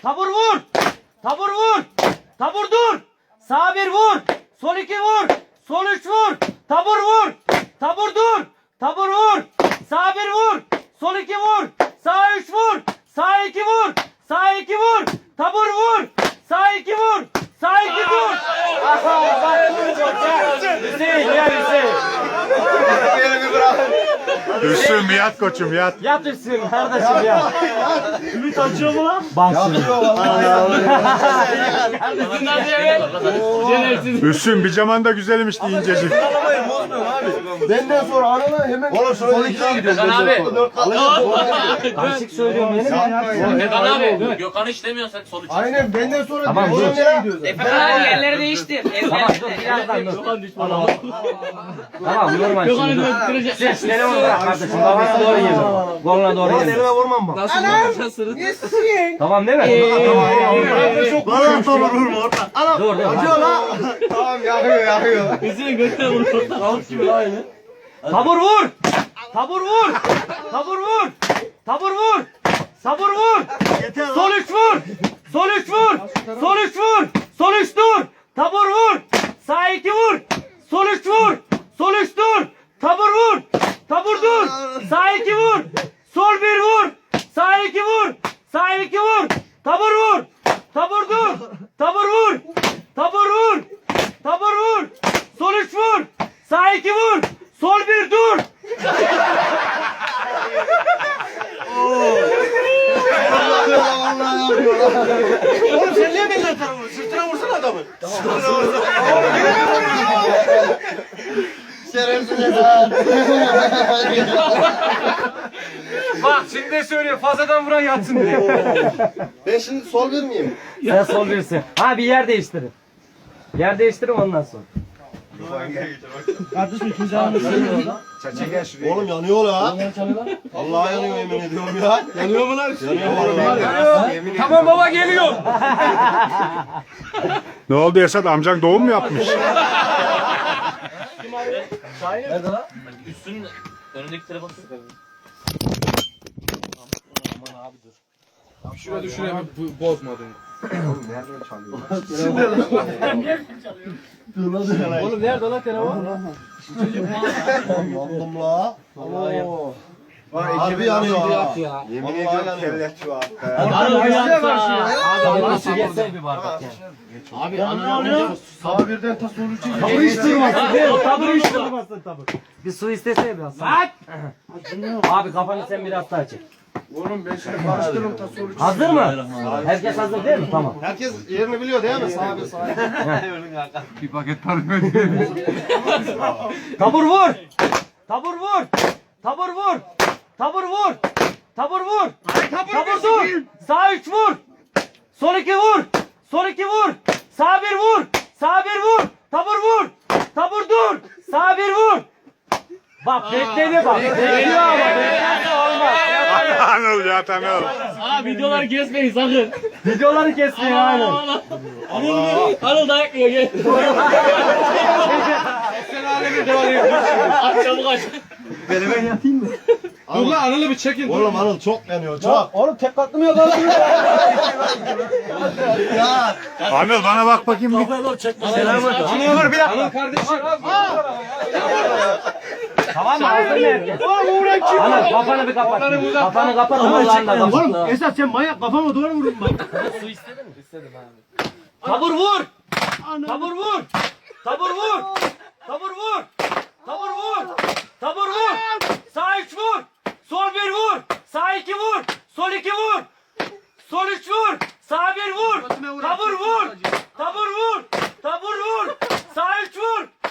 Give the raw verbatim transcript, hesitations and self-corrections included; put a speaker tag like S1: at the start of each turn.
S1: Tabur vur. Tabur vur. Tabur dur. Sağ bir vur. Sol iki vur. Sol üç vur. Tabur vur. Tabur dur. Tabur vur. Sağ bir vur. Sol iki vur. Sağ üç vur. Sağ iki vur. Sağ iki vur. Tabur vur. Sağ iki vur. Sağ iki vur. Hüseyin gel Hüseyin.
S2: Hüsnü bir yat koçum yat.
S1: Yat Hüseyin kardeşim ya. Ümit açıyor mu lan? Bak şimdi.
S2: Hüsnü bir zaman da güzelmiş incecik.
S3: Benden sonra anana hemen oğlum sol ikiye gidiyoruz.
S4: Gökhan abi.
S1: Karışık söylüyorum benim.
S4: Gökhan abi. Gökhan hiç demiyorsun sen sonuç.
S3: Aynen benden sonra
S1: Tamam, dur.
S3: nereye gidiyoruz?
S4: Efe abi yerleri değiştir.
S1: Tamam dur birazdan dur. Tamam. Tamam normal şimdi dur. Sen şu telefonu bırak kardeşim. Kafana doğru gel. Koluna doğru gel.
S3: Elime vurmam bak.
S1: Tamam değil mi?
S3: Çok bana tamam vurma orada. Ana
S1: Dur dur.
S3: acıyor lan. Tamam yakıyor yakıyor.
S1: Tabur vur. Tabur vur. Tabur vur. Tabur vur. Sabur vur. Sol üç vur. Sol üç vur. Sol üç vur. Sol üç dur. Tabur vur. Sağ iki vur. Sol üç vur. Sol üç dur. Tabur vur. Tabur dur. Sağ iki vur. Sol bir vur. Sağ iki vur. Sağ iki vur. Tabur vur. Tabur dur. Tabur vur. Tabur vur. Tabur vur. Sol üç vur. Sağ iki vur. Sol bir dur.
S3: Oğlum sen niye benden sana vuruyorsun? Sırtına vursana adamı. Şerefsiz Eda.
S1: Bak şimdi söylüyor fazladan vuran yatsın diye.
S3: Ben şimdi sol bir miyim?
S1: Sen sol birsin. Ha bir yer değiştirin. Yer değiştirin ondan sonra.
S3: Oğlum yanıyor la. Allah yanıyor yemin ediyorum ya. Yanıyor mu lan? Yanıyor.
S1: Tamam baba geliyor.
S2: Ne oldu Esat amcan doğum mu yapmış?
S4: Nerede lan? Üstünün önündeki telefonu.
S5: Şuraya düşüreyim bu bozmadın.
S3: Oğlum nerede lan telefon? Yandım la. Oo. Harbi yanıyor ha. Yemin ediyorum kellet şu
S1: Abi nasıl geçsene bir bardak ya.
S4: Abi ananı alıyor.
S3: Sabah birden ta sonucu.
S1: Tabur hiç durmasın değil mi? Tabur hiç durmasın tabur. Bir su istesene biraz. Bak. Abi kafanı sen biraz daha çek.
S3: Oğlum ben şimdi karıştırırım ta sonucu.
S1: Hazır mı? Herkes hazır değil mi? Tamam.
S3: Herkes yerini biliyor değil mi? Sağ bir sağ.
S2: Bir paket parfüm.
S1: Tabur vur. Tabur vur. Tabur vur. Tabur vur. Tabur vur. Tabur dur. Sağ üç vur. Sol iki vur. Sol iki vur. Sağ bir vur. Sağ bir vur. Tabur vur. Tabur dur. Sağ bir vur. Bak bekledi bak. Bekliyor ama beklerse olmaz.
S2: Anıl ya Anıl.
S4: Aa videoları kesmeyin sakın.
S1: Videoları kesmiyor aynen.
S4: Anıl Anıl dayak yiyor gel. Aç çabuk aç.
S5: Dur lan Anıl'ı bir çekin.
S3: Oğlum Anıl çok yanıyor çok.
S1: Oğlum tek katlı mı yok lan?
S3: Ya.
S2: Anıl bana bak bakayım bir.
S1: Anıl bir
S5: Anıl kardeşim.
S1: Tamam mı? Hazır mı herkes? Anıl kafanı bir kapat. Kafanı kapat. Allah'ın da kapat.
S3: Esat sen manyak kafama doğru vurdun bak.
S1: Su istedin mi? İstedim abi. Tabur vur. Tabur vur. Tabur vur. Tabur vur. Tabur vur. Tabur vur. Sağ üç vur. Sol bir vur. Sağ iki vur. Sol iki vur. Sol üç vur. Sağ bir vur. Tabur vur. Tabur vur. Tabur vur. Sağ üç vur.